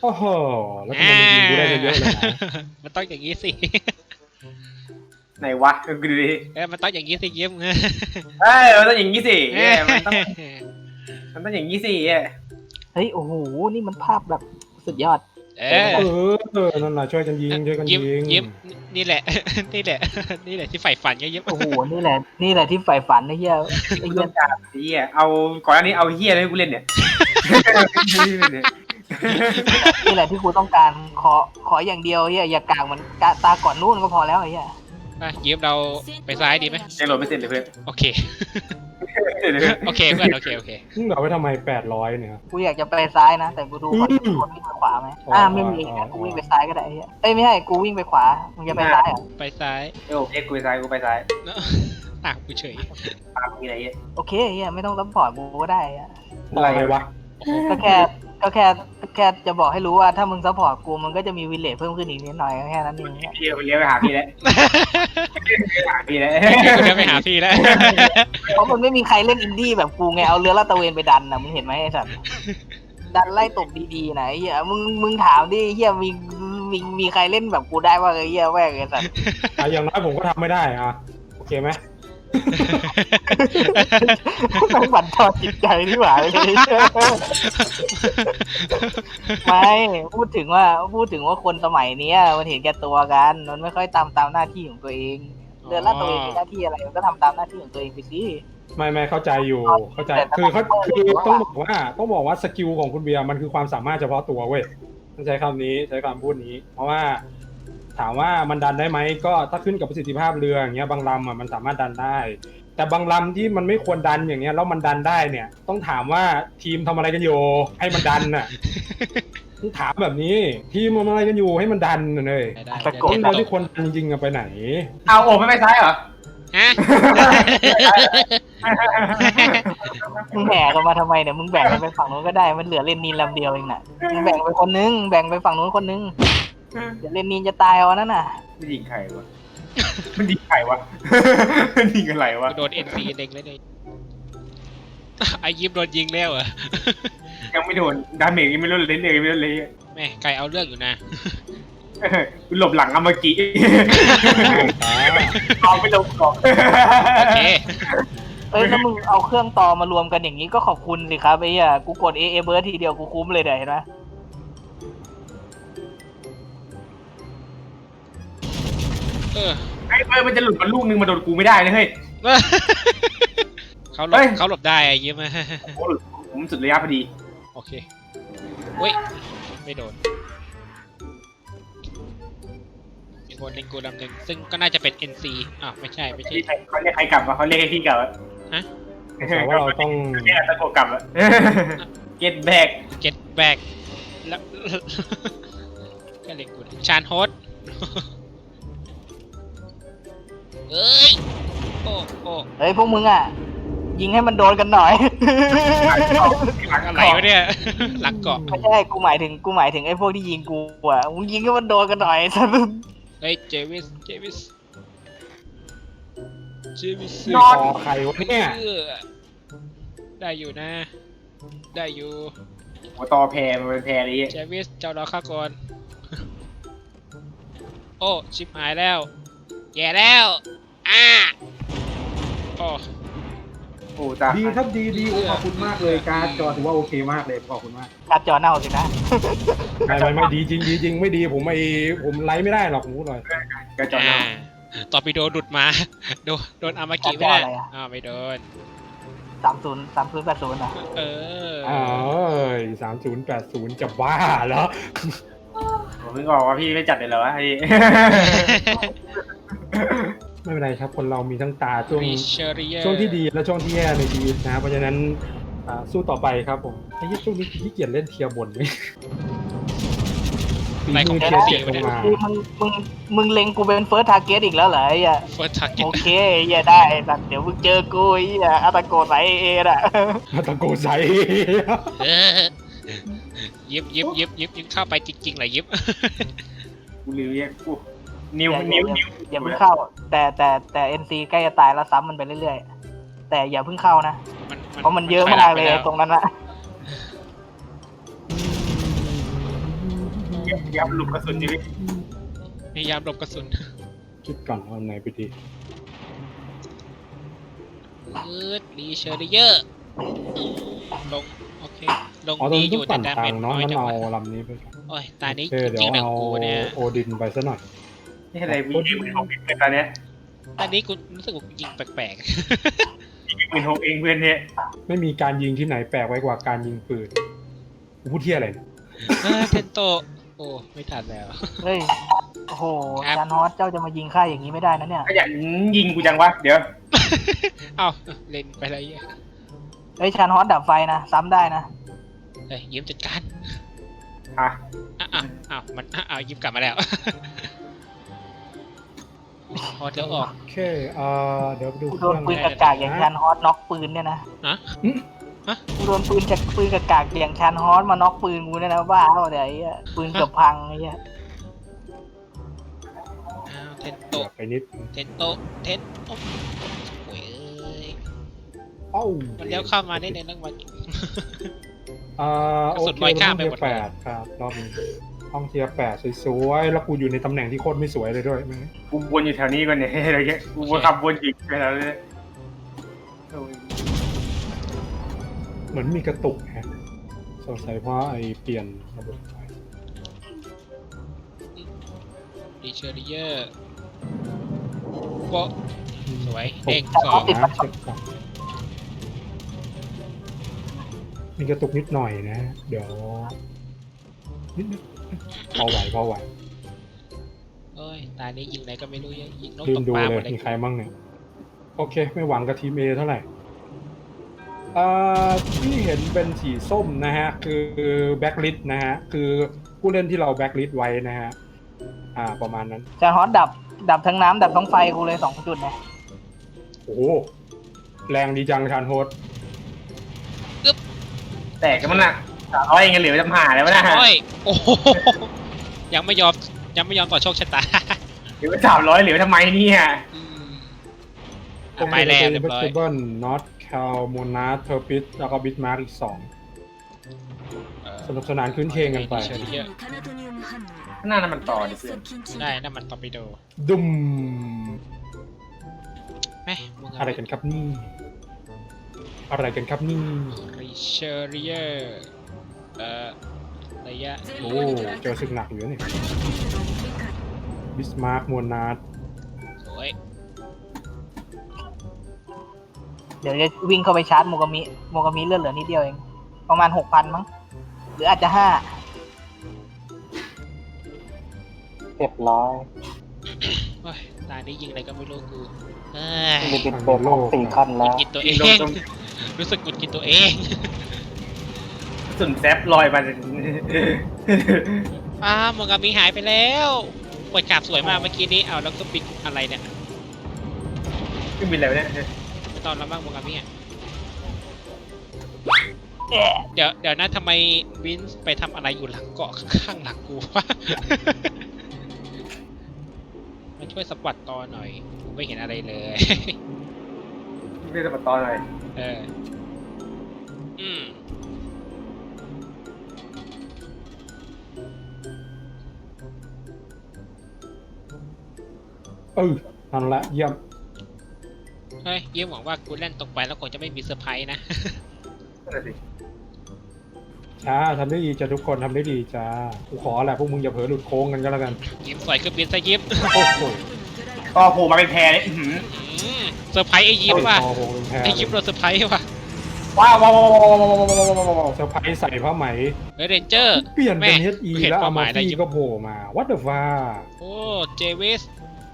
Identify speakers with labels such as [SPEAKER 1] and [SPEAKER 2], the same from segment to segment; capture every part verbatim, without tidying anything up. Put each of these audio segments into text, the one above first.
[SPEAKER 1] โอ้โหแล้วทำไมมันยิงกูได้เยอะเลยนะ
[SPEAKER 2] มันต้องอย่างนี้สิ
[SPEAKER 3] ไหนวะกูดูดิ
[SPEAKER 2] เออมันต้องอย่างนี้สิยิ้ม
[SPEAKER 3] เอ้ยมันต้องอย่างนี้สิเอ้ยมันต้องมันต้องอย่างนี้สิเอ้ย
[SPEAKER 4] เฮ้ยโอ้โหนี่มันภาพแบบสุดยอด
[SPEAKER 2] เออ
[SPEAKER 1] เออเออนั่นน่ะช่วยกันยิงช่วยกัน
[SPEAKER 2] ยิ้ม
[SPEAKER 1] ยิง
[SPEAKER 2] ยิ้มนี่แหละ นี่แหละ นี่แหละที่ใฝ่ฝันไงยิ้ม
[SPEAKER 4] โอ้โหนี่แหละนี่แหละที่ใฝ่ฝันไอ้เหี้ยไอ้
[SPEAKER 3] กู
[SPEAKER 4] เหี้
[SPEAKER 3] ต้
[SPEAKER 4] ย
[SPEAKER 3] องการไอ้เหี้ยเอาก่อนหน้านี้เอาเหี้ยอะไรให้กูเล่นเนี่ย
[SPEAKER 4] นี่แหละที่กูต้องการขอขออย่างเดียวเหี้ยอย่ากางมันกะตาก่อนนู่นก็พอแล้วไอ้เหี้ย
[SPEAKER 2] อ่ะยิ้มเราไปซ้ายดีไหม
[SPEAKER 3] ยังโหลดไม่เสร็จเลยเพื่อน
[SPEAKER 2] โอเค โอเคเพื่อนโอเคโอเค
[SPEAKER 1] มึงเหลือไว้ทำไมแปดร้อยเนี่ย
[SPEAKER 4] กูอยากจะไปซ้ายนะแต่กูดูคน
[SPEAKER 1] อืม
[SPEAKER 4] คนวิ่งไปขวาไหม
[SPEAKER 1] อ๋ออ่
[SPEAKER 4] อ่าไม่มีงั้นกูวิ่งไปซ้ายก็ได้ไอ้เหี้ยเอ้ยไม่ใช่กูวิ่งไปขวามึงจะไปซ้ายเหรอ
[SPEAKER 2] ไปซ้าย
[SPEAKER 3] เอ้ยโอเคกูไปซ้ายกูไปซ้าย
[SPEAKER 2] เนอะอ่ะกูเฉย
[SPEAKER 3] ตามมีอะไรเงี้ย
[SPEAKER 4] โอเคไอ้เหี้ยไม่ต้องซัพพอร์ตกูก็ได้ไอ้เหี้ย
[SPEAKER 1] อะไรวะ
[SPEAKER 4] ก็แค่ก็แค่แค่จะบอกให้รู้ว่าถ้ามึงซัพพอร์ตกูมันก็จะมีวิลเลจเพิ่มขึ้นอีกนิดหน่อยก็แค่นั้นเอง
[SPEAKER 3] เลี้ยวเลี้ยวไปหาพี่แล้วไปหาพี่แล้ว
[SPEAKER 2] กูเดินไปหาพี่แล้ว
[SPEAKER 4] เพราะมันไม่มีใครเล่นอินดี้แบบกูไงเอาเรือลาดตระเวนไปดันนะมึงเห็นไหมไอ้สัตว์ดันไล่ตบดีๆนะไอ้เฮียมึงมึงถามดิเฮียมีมีมีใครเล่นแบบกูได้ว่าไอ้เฮียแม่งไอ้สัตว์
[SPEAKER 1] อ่ะอย่างน้อยผมก็ทำไม่ได้อ่ะโอเคไหม
[SPEAKER 4] ต้องบั่นทอนจิตใจที่หว่าเลยไม่พูดถึงว่าพูดถึงว่าคนสมัยเนี้ยมันเห็นแก่ตัวกันมันไม่ค่อยตามตามหน้าที่ของตัวเองเรือลาดตระเวนมีหน้าที่อะไรมันก็ทำตามหน้าที่ของตัวเองไปสิ
[SPEAKER 1] ไม่ไม่เข้าใจอยู่เข้าใจคือเขาคือต้องบอกว่าต้องบอกว่าสกิลของคุณเบียร์มันคือความสามารถเฉพาะตัวเว้ยต้องใช้คำนี้ใช้คำพูดนี้ เพราะว่าถามว่ามันดันได้ไหมก็ถ้าขึ้นกับประสิทธิภาพเรืออย่างเงี้ยบางลำอ่ะมันสามารถดันได้ แต่บางลำที่มันไม่ควรดันอย่างเงี้ยแล้วมันดันได้เนี่ย ต้องถามว่าทีมทำอะไรกันอยู่ให้มันดันน่ะ ต้องถามแบบนี้ทีมทำอะไรกันอยู่ให้มันดันน่ะเลย
[SPEAKER 2] ได้
[SPEAKER 4] ตะโก
[SPEAKER 1] คนเราที่ควรดันจริงๆอะไปไหน
[SPEAKER 3] เอาโอ้ไม่ไปซ้ายเหรอ
[SPEAKER 2] ฮะ
[SPEAKER 4] มึงแห่กันมาทำไมเนี่ยมึงแบ่งกันไปฝั่งนู้นก็ได้มันเหลือเลนนีนลำเดียวเองน่ะมึงแบ่งไปคนนึงแบ่งไปฝั่งนู้นคนนึงเดี๋ยวเลนนีนจะตายเอานั่นน่ะ
[SPEAKER 3] มันยิงใครวะมันยิงใครวะมันยิงอะไรวะ
[SPEAKER 2] กูโดนเอ็นซีเด็กเลยเนี่ยไอ้ยิ้มโดนยิงแล้วเหรอ
[SPEAKER 3] ยังไม่โดนดาเมจยังไม่ลดเลยเลยไม่ลดเลย
[SPEAKER 2] แม่ไก่เอาเรื่องอยู่นะ
[SPEAKER 3] กูหลบหลังอามากิเอาไปหลบก่อน
[SPEAKER 2] โอเค
[SPEAKER 4] เอ้ยถ้ามึงเอาเครื่องต่อมารวมกันอย่างนี้ก็ขอบคุณสิครับไอ้เหี้ยกูกดเอเอเบิร์ดทีเดียวกูคุ้มเลยเดี๋ยวเห็นไหม
[SPEAKER 2] เออ
[SPEAKER 3] ไอ้เอ้ยมันจะหลุดมาลูกนึงมาโดนกูไม่ได้นะเฮ้ย
[SPEAKER 2] เขาหลบ
[SPEAKER 3] เฮ้ย
[SPEAKER 2] เขาหลบได้ไอ้ยิ้ม
[SPEAKER 3] โอ้ผมสุดระยะพอดี
[SPEAKER 2] โอเคเว้ยไม่โดนอีกคนหนึ่งกูดำหนึ่งซึ่งก็น่าจะเป็น เอ็น ซี อ้าวไม่ใช่ไม่ใช่
[SPEAKER 3] เขาเรียกใครกลับวะเขาเรียกให้พี่กลับอะ
[SPEAKER 2] ฮะ
[SPEAKER 1] แต่ว่าเราต้อง
[SPEAKER 3] เรียกตะโกกลับอะ get back
[SPEAKER 2] get back แล้ว ก็เล็กกูชานโฮสเอ้ยโอ้โอ้
[SPEAKER 4] เฮ้ยพวกมึงอ่ะยิงให้มันโดนกันหน่อย
[SPEAKER 3] หลัง
[SPEAKER 2] อะไรวะเนี่ย หลังเกาะ
[SPEAKER 4] ไม่ใช่กูหมายถึงกูหมายถึงไอ้พวกที่ยิงกูอ่ะมึงยิงให้มันโดนกันหน่อย สัตว์
[SPEAKER 2] เฮ้ยเจวิสเจวิสเจวิส
[SPEAKER 1] นอใครวะเนี่ย
[SPEAKER 2] เออได้อยู่นะ ได้อยู่
[SPEAKER 3] หัวต่อแพรมันเป็นแพรอะไรเงี้ย
[SPEAKER 2] เจวิสเจ้ารอข้าก่อน โอ้ชิบหายแล้วแย่แล้วอ่าโอ้
[SPEAKER 3] โอ้ตา
[SPEAKER 1] ดีครับดีดีขอบคุณมากเลยการ์ดจอถือว่าโอเคมากเลยขอบคุณมาก
[SPEAKER 4] การจอเน่าสินะ
[SPEAKER 1] ไม่ไม่ไม่ดีจริงดีจริงไม่ดีผมไอผมไลฟ์ไม่ได้หรอกผมพูดหน่อย
[SPEAKER 3] กระจอกหน้า
[SPEAKER 2] ต่อไปโดนดุดมา โดนโดนอามากิไม่ได้อ้าวไม่โดน
[SPEAKER 4] สามศูนย์สามศูนย์แปดศูนย์อ่ะ
[SPEAKER 2] เออ
[SPEAKER 1] เอ้ยสามศูนย์แปดศูนย์จะบ้าเหรอ
[SPEAKER 3] ผมเพิ่งบอกว่าพี่ไม่จัดเลยเหรอวะไอ้
[SPEAKER 1] ไม่เป็นไรครับคนเรามีทั้งตาช่วง
[SPEAKER 2] ริเชอริเยอร์
[SPEAKER 1] ช่วงที่ดีและช่วงที่แย่ในชีวิตนะเพราะฉะนั้นอ่าสู้ต่อไปครับผมไอ้ยี่ช่วงนี้ขี้เกียจเล่นเทียร์บนไหมปีมือเทียร์เจ็ดลงมา
[SPEAKER 4] คือมึงมึงมึงเล็งกูเป็นเฟิร์สทาร์เก็ตอีกแล้วเหรอไอ้เหี้ย
[SPEAKER 2] เฟิร์สทาร์เก็ต
[SPEAKER 4] โอเคไอ้เหี้ยได้สัตว์เดี๋ยวมึงเจอกูไอ้เหี้ยอาตาโกไซเออ่ะ
[SPEAKER 1] มาตะโกใส่
[SPEAKER 2] ยิบยิบยิบยิบยิบเข้าไปจริงๆเหรอยิบ
[SPEAKER 3] กูลืมเรียกกูนิ้วนิ้วนิ้ว
[SPEAKER 4] อย่าเพิ่งเข้า แต่แต่แต่เอ็นซีใกล้จะตายแล้วซ้ำมันไปเรื่อยๆแต่อย่าเพิ่งเข้านะเพราะมันเยอะมากเลยตรงนั้นอะ
[SPEAKER 3] พยายามหลบกระสุนชีวิต
[SPEAKER 2] พยายามหลบกระสุน
[SPEAKER 1] คิดก่อนเอาไหนไปดี
[SPEAKER 2] อืดรีเชอร์เยอร์ลงโอเคลง
[SPEAKER 1] อ๋อตอน
[SPEAKER 2] ดี
[SPEAKER 1] นี้
[SPEAKER 2] อ
[SPEAKER 1] ต้อยู่ ง
[SPEAKER 2] แต่
[SPEAKER 1] ปั่น
[SPEAKER 2] ดา
[SPEAKER 1] ทา
[SPEAKER 2] เม
[SPEAKER 1] ง
[SPEAKER 2] จ
[SPEAKER 1] เนาะ
[SPEAKER 2] น้อย
[SPEAKER 1] งั้น
[SPEAKER 2] จัง
[SPEAKER 1] เอา
[SPEAKER 2] วะ
[SPEAKER 1] ลำนี้ไปก่อน
[SPEAKER 2] โอ้ยตานี้
[SPEAKER 1] โอเค
[SPEAKER 2] จ
[SPEAKER 1] เดี๋ย
[SPEAKER 2] ริ
[SPEAKER 1] ว
[SPEAKER 2] งๆนะ
[SPEAKER 1] เอา
[SPEAKER 2] กูเนี่ย
[SPEAKER 1] โอดินไปซะหน่อย
[SPEAKER 3] นี่อะไรวีหมื่นหกเป็นตอนเนี้ย
[SPEAKER 2] ตานี้กูรู้สึกว่ายิงแปลก
[SPEAKER 3] หมื่นหกเองเพื่อนเนี่ย
[SPEAKER 1] ไม่มีการยิงที่ไหนแปลกไว้กว่าการยิงปืนกูพูดเที่ยอะไรเนี่ย
[SPEAKER 2] ๆเออเทนโตโอ้ไม่ทันแล้ว
[SPEAKER 4] เฮ้ยโอ้โห
[SPEAKER 2] ครับ
[SPEAKER 4] จานฮอตเจ้าจะมายิงข้าอย่างนี้ไม่ได้นะเนี่ย
[SPEAKER 3] ขยันยิงกูจังวะเดี๋ยว
[SPEAKER 2] เอ้าเล่นไปอะไรเงี้ย
[SPEAKER 4] เฮ้ยชานฮอตดับไฟนะซ้ำได้นะ
[SPEAKER 2] เฮ้ยยิ้มจัดการ
[SPEAKER 3] ฮะ
[SPEAKER 2] อ้าวอ้าวอ้าวมันอ้าวอ้าวยิ้มกลับมาแล้วพอเดี๋ยวออก
[SPEAKER 1] โอเคเอ่อเดี๋ยวไปดู
[SPEAKER 4] กู
[SPEAKER 1] เค
[SPEAKER 4] โด
[SPEAKER 1] รื่
[SPEAKER 4] น
[SPEAKER 1] อง
[SPEAKER 4] ปืนกากากๆอย่างชานฮอตน็อกปืนเนี่ยนะ
[SPEAKER 2] ฮะ
[SPEAKER 4] กูโดนปืนจากปืนกากากๆอย่างชานฮอตมาน็อกปืนกูเนี่ยนะบ้าเปล่าเนี่ยไอ้เหี้ยปืนเกือบพังไอ้เหี้ย
[SPEAKER 2] อ้าวเทนโต
[SPEAKER 1] เดี๋ยวไปนิด
[SPEAKER 2] เทนโตเทนโตโอ้ยเอ้ย
[SPEAKER 1] เอ้า
[SPEAKER 2] มันเลี้ยวเข้ามาได้ในเรื่องวัน
[SPEAKER 1] เอ่อก
[SPEAKER 2] ระ
[SPEAKER 1] โอ
[SPEAKER 2] สุน
[SPEAKER 1] เค
[SPEAKER 2] ลอย
[SPEAKER 1] เป็น
[SPEAKER 2] ข้า
[SPEAKER 1] ห้
[SPEAKER 2] ม
[SPEAKER 1] อง
[SPEAKER 2] ไป
[SPEAKER 1] เที
[SPEAKER 2] หม
[SPEAKER 1] ย
[SPEAKER 2] ด
[SPEAKER 1] ร์แปดครับรอบนี้ห้องเทียร์แปดสวยๆแล้วกูอยู่ในตำแหน่งที่โคตรไม่สวยเลยด้วยมึง
[SPEAKER 3] กูวนอยู่แถวนี้ก่อนเนี่ยอะไรเงี้ยกูวนขับวนอีกไปแล้วเลยโอ้ย
[SPEAKER 1] เหมือนมีกระตุกฮะสงสัยเพราะไอเปลี่ยนระบบไฟ
[SPEAKER 2] ดีเชอร์เยอร์โปะสวย
[SPEAKER 1] ต
[SPEAKER 2] เด้ง
[SPEAKER 1] ก
[SPEAKER 2] สอง
[SPEAKER 1] นะเช็คก่อนมีกระตุกนิดหน่อยนะ เดี๋ยวนิดนิดพอไหวพอไหว
[SPEAKER 2] เอ้ยตานี้ยิงไหนก็ไม่รู้ยิงนก
[SPEAKER 1] ลื
[SPEAKER 2] ต
[SPEAKER 1] ม
[SPEAKER 2] ก
[SPEAKER 1] ดู
[SPEAKER 2] ปลา
[SPEAKER 1] เล
[SPEAKER 2] หม
[SPEAKER 1] ย
[SPEAKER 2] ดเลย
[SPEAKER 1] มีใครบ้างเนี่ยโอเค ไม่หวังกับทีมเอเท่าไหร่เอ่อที่เห็นเป็นสีส้มนะฮะ คือแบ็คลิสนะฮะ คือผู้เล่นที่เราแบ็คลิสไว้นะฮะ อ่าประมาณนั้น
[SPEAKER 4] ชานฮอตดับดับทั้งน้ำดับทั้งไฟกูเลยสองจุดนะ
[SPEAKER 1] โอ้โหแรงดีจังชานโฮส
[SPEAKER 3] แตกกันมันน่ะสามร้อยเองเหลือจำหาแล้วนะ
[SPEAKER 2] โอ้ยโอ้โหยังไม่ยอมยังไม่ยอมต่อโชคชะตา
[SPEAKER 3] เหลือสามร้อยเหลือทำไมเนี่ย
[SPEAKER 2] อืมอ่ะไปแล้วเรียบร้อย
[SPEAKER 1] เบิลน็อตแคลโมนาเทอร์ปิสแล้วก็บิทมาร์กอีกสองสนุกสนานคืนเคงกันไป
[SPEAKER 2] ดีเชอร์เยอร์
[SPEAKER 3] ข้างหน้านั้นมันต่อดิเพื่อน
[SPEAKER 2] ได้นั่นมันตอร์ปิโด
[SPEAKER 1] ดุม
[SPEAKER 2] แม่มึง
[SPEAKER 1] อะไรกันครับนี่ อะไรกันครับนี่
[SPEAKER 2] รีเชอร์เยอร์เอ่อระยะ
[SPEAKER 1] โอ้เจอศึกหนักอยู่นี่บิสมาร์กมวลนาร์
[SPEAKER 2] สวย
[SPEAKER 4] เดี๋ยวจะวิ่งเข้าไปชาร์จโมกามิโมกามิเลือดเหลือนิดเดียวเองประมาณหกพันมั้งหรืออาจจะห้า
[SPEAKER 5] เรียบร้อย
[SPEAKER 2] โอ้ยตานี้ยิงอะไรก็ไม่รู้กูเอ้ย
[SPEAKER 5] มีบิดเบรกครบสี่ขั้น
[SPEAKER 2] หงุ
[SPEAKER 5] แล้
[SPEAKER 2] ด
[SPEAKER 5] ว
[SPEAKER 2] หงิดตัวเอ
[SPEAKER 3] ยิง
[SPEAKER 2] ง
[SPEAKER 3] โดน
[SPEAKER 2] รู้สึกหงุดหงิดตัวเอง
[SPEAKER 3] กระสุนแซฟลอยมา
[SPEAKER 2] อ้าวโมกามิหายไปแล้วปวดกราบสวยมากเมื่อกี้นี้เอาแล้วก็ปิดอะไรเนี่ย
[SPEAKER 3] ขึ้นบินแล้วเนี่ย
[SPEAKER 2] ไม่ตอนรับบ้างโมกามิอ่ะ
[SPEAKER 4] แอะ
[SPEAKER 2] เดี๋ยวเดี๋ยวนะทำไมวินส์ไปทำอะไรอยู่หลังเกาะข้างหลังกูวะ มาช่วยสปอตตอหน่อยกูไม่เห็นอะไรเลย
[SPEAKER 3] ไม่ได้มาตอนอะไร
[SPEAKER 2] เออ อืม
[SPEAKER 1] เออนั่นแหละเยี่ยม
[SPEAKER 2] เฮ้ยเยี่ยมหวังว่ากูเล่นตกไปแล้วคงจะไม่มีเซอร์ไพรส์นะ
[SPEAKER 3] นั่นแหละสิ
[SPEAKER 1] จ้าทำได้ดีจ้าทุกคนทำได้ดีจ้ากูขอแหละพวกมึงอย่าเผลอหลุดโค้งกันก็แล้วกัน
[SPEAKER 2] ยิ้มสวยคือบินซะยิ้ม
[SPEAKER 1] โอ้โห
[SPEAKER 3] ก็โผล่มาเป็นแพรเนี่ยอื้อหือ
[SPEAKER 2] อืมเซอร์ไพรส์ไอ้ยิ้มว่ะ
[SPEAKER 1] คอโหเป็นแพร
[SPEAKER 2] ไอ้ยิ้มโดนเซอร์ไพรส์ว่ะ
[SPEAKER 3] ว้าวว้าวว้าวว้าวว้าวว้าวว้าวว้าวว้าว
[SPEAKER 1] เซอร์ไพรส์ใส่ผ้าไหม
[SPEAKER 2] เฮ้ยเรนเจอร์
[SPEAKER 1] เปลี่ยนเป็น เอช อี
[SPEAKER 2] เห็น
[SPEAKER 1] แล้ว
[SPEAKER 2] เป้า
[SPEAKER 1] อา
[SPEAKER 2] ห
[SPEAKER 1] มา
[SPEAKER 2] มายแล้ว
[SPEAKER 1] ฟี่
[SPEAKER 2] ยิ้ม
[SPEAKER 1] ก็โผล่มา what the fuck
[SPEAKER 2] โอ้เจวิส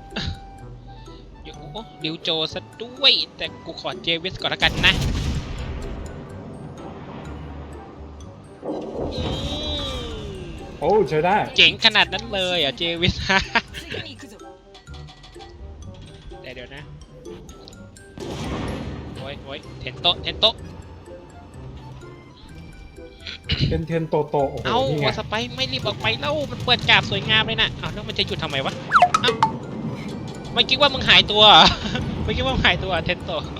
[SPEAKER 2] โอ้ดิวโจซะด้วย แต่กูขอเจวิสก่อนละกันนะอืม
[SPEAKER 1] โอ้ใช้ได้
[SPEAKER 2] เจ๋งขนาดนั้นเลยอ่ะเจวิส เดี๋ยวเดี๋ยวนะ โอ้ยโอ้ยเทนโตะเทนโตะ
[SPEAKER 1] เทนเทนโตโตโอ้โห
[SPEAKER 2] เอ้า
[SPEAKER 1] นี่ไง
[SPEAKER 2] วาสไปไม่รีบออกไปแล้วมันเปิดกราบสวยงามเลยนะเอ้าแล้วมันจะหยุดทำไมวะเอ้าไม่คิดว่ามึงหายตัวเหรอ ไม่คิดว่ามึงหายตัวเทนโตะ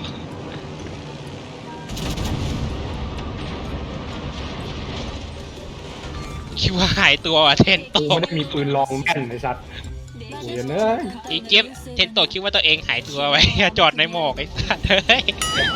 [SPEAKER 2] คิดว่าหายตัวอ่ะเทนโต
[SPEAKER 1] กูไม่ได้มีปืนลองแม่นไอ้สัตว์กูจะเนย
[SPEAKER 2] อีเจ็บเทนโตคิดว่าตัวเองหายตัวไว้ จอดในหมอกไอ้สัตว์เฮ้ย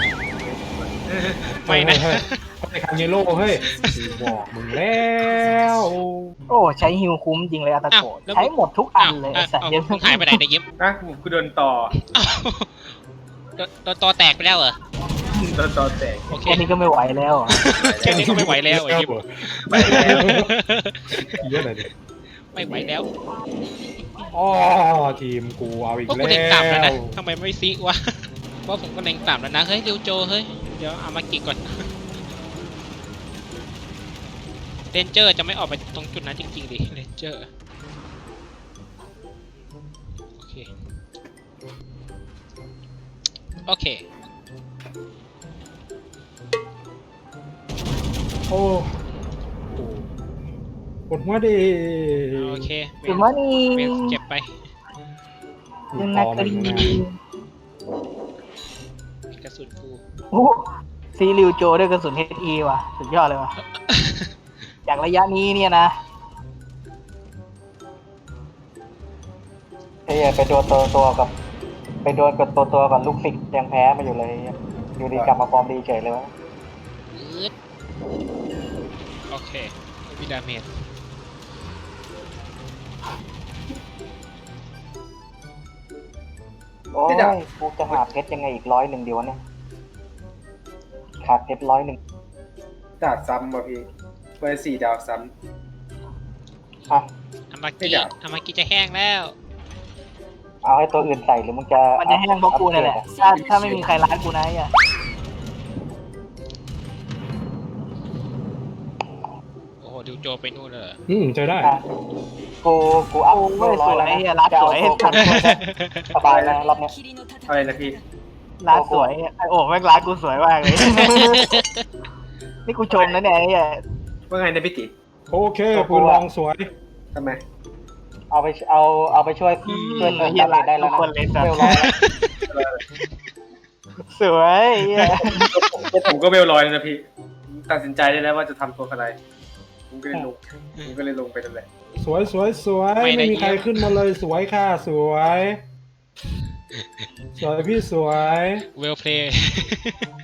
[SPEAKER 2] ไม่นะ
[SPEAKER 1] เฮ้ยเฮ้ยเฮ้ยคาเยโร่เฮ้ยกูบอกมึงแล้ว
[SPEAKER 4] โอ้ใช้ฮิวคุ้มจริงเลยอาตาโกะ
[SPEAKER 2] อ้าวแล้ว
[SPEAKER 4] ใช้หมดทุกอันเลย
[SPEAKER 2] อ้า
[SPEAKER 4] ไอ้
[SPEAKER 2] ว
[SPEAKER 4] สัตว์
[SPEAKER 2] อ้าว
[SPEAKER 4] เดี๋ยว
[SPEAKER 2] มึงหายไปไหนเนี่ยยิ้ม
[SPEAKER 3] นะกูโดนต่อ
[SPEAKER 2] อ้าวโดนโดนตัวแตกไปแล้วเหรอ
[SPEAKER 3] โดนต่อแตก
[SPEAKER 2] โอเค
[SPEAKER 4] แค่นี้ก็ไม่ไหวแล้วอะ
[SPEAKER 2] แค่นี้ก็ไม่ไหวแล้วไอ้ยิ้ม
[SPEAKER 3] ไปแล้ว
[SPEAKER 1] เยอะเลยดิ
[SPEAKER 2] ไม่ไหวแล้ว
[SPEAKER 1] อ๋อทีมกูเอาอีก
[SPEAKER 2] พวก
[SPEAKER 1] แล้
[SPEAKER 2] กูเล็งต่ำแล้วนะ
[SPEAKER 1] ว
[SPEAKER 2] ทำไมไม่ซิวะว่าผมก็เล็งต่ำแล้วนะเฮ้ยเร็วโจเฮ้ยเดี๋ยวเอามากิก่อนเรนเจอร์จะไม่ออกไปตรงจุดนั้นจริงๆดิเรนเจอร์โอเคโอเค
[SPEAKER 1] โอ้โหปวดหัวดิ
[SPEAKER 2] โอเคเว
[SPEAKER 4] คือ
[SPEAKER 2] ล
[SPEAKER 4] ว่านี่
[SPEAKER 2] เวลเก็บไป
[SPEAKER 4] ยังนักกรี
[SPEAKER 1] นะ
[SPEAKER 2] กระสุนกู
[SPEAKER 4] โอ้ซีริวโจด้วยกระสุนเฮดอีว่ะสุดยอดเลยว่ะจากระยะนี้เนี่ยนะ
[SPEAKER 5] ไอ้เหี้ยไปโดนตัวตัวกับ ไปโดนกับตัวตัวกับลูกศิษย์ยังแพ้มาอยู่เลย อยู่ดีกลับมาฟอร์มดีเฉยเลยวะ
[SPEAKER 2] อืดโอเควิดาเมจ
[SPEAKER 5] โอ้ยกูจะหาเพชรยังไงอีกร้อยหนึ่งเดียวเนี่ยขาดเพชรร้อยหนึ่ง
[SPEAKER 3] ดาบซ้ำว่ะพี่เบอร์สี่ดาบซ้
[SPEAKER 5] อ่ะ
[SPEAKER 2] อามา
[SPEAKER 3] ไม่
[SPEAKER 2] กิ
[SPEAKER 3] อยาก
[SPEAKER 2] อามากิจะแห้งแล้ว
[SPEAKER 5] เอาให้ตัวอื่นใส่หรือมึงจะ
[SPEAKER 4] มันจะแห้งเพราะกูนี่แหละถ้าถ้าไม่มีใครร้านกูนะไอ้เหี้ย
[SPEAKER 2] โอ้โหดิวโจไปนู่นเลยเหรอ
[SPEAKER 1] อืมเจอได้
[SPEAKER 5] อ่ะกูกูอัพ
[SPEAKER 4] โอ้
[SPEAKER 5] เรี
[SPEAKER 4] ย
[SPEAKER 5] ยบร้
[SPEAKER 4] ส
[SPEAKER 5] อย
[SPEAKER 4] วย
[SPEAKER 5] แล้ว
[SPEAKER 4] ไอ้
[SPEAKER 5] นะ
[SPEAKER 4] เหี้ยร้าน
[SPEAKER 5] จะ
[SPEAKER 4] ส
[SPEAKER 5] เอา
[SPEAKER 4] วย
[SPEAKER 5] ตัวกูสบายนะรอบเนี้ย
[SPEAKER 3] ำอะไรนะพี่
[SPEAKER 4] ร้านสวยไอ้โอ้แม่งร้านกูสวยมากเลย นี่กูชมนะเนี่ยไอ้เหี้ย
[SPEAKER 3] ว่าไงนะพี่ติ
[SPEAKER 1] โอเคปืนลองสวย
[SPEAKER 3] ทำไม
[SPEAKER 5] เอาไปเอาเอาไปช่วยช่วยเพิ่ม
[SPEAKER 4] เหี้ย
[SPEAKER 5] ดาเม
[SPEAKER 4] ร้าน
[SPEAKER 5] จได้แล้
[SPEAKER 4] ทุ
[SPEAKER 5] ว
[SPEAKER 4] ก
[SPEAKER 5] นะ
[SPEAKER 4] คนเลยสัต
[SPEAKER 5] เวล
[SPEAKER 4] ว์
[SPEAKER 5] ร้อยแล้ว
[SPEAKER 4] สวยไอ้เหี้ย
[SPEAKER 3] ผมก็เวลลอยแล้วนะพี่ตัดสินใจได้แล้วว่าจะทำตัวอะไรผมก็เลยลงผมก็เลยลงไปนั่นแหละ
[SPEAKER 1] สวยสวยสวยไม่มีใครขึ้นมาเลยสวยค่ะสวย สวยพี่สวย
[SPEAKER 2] เวลเพลย์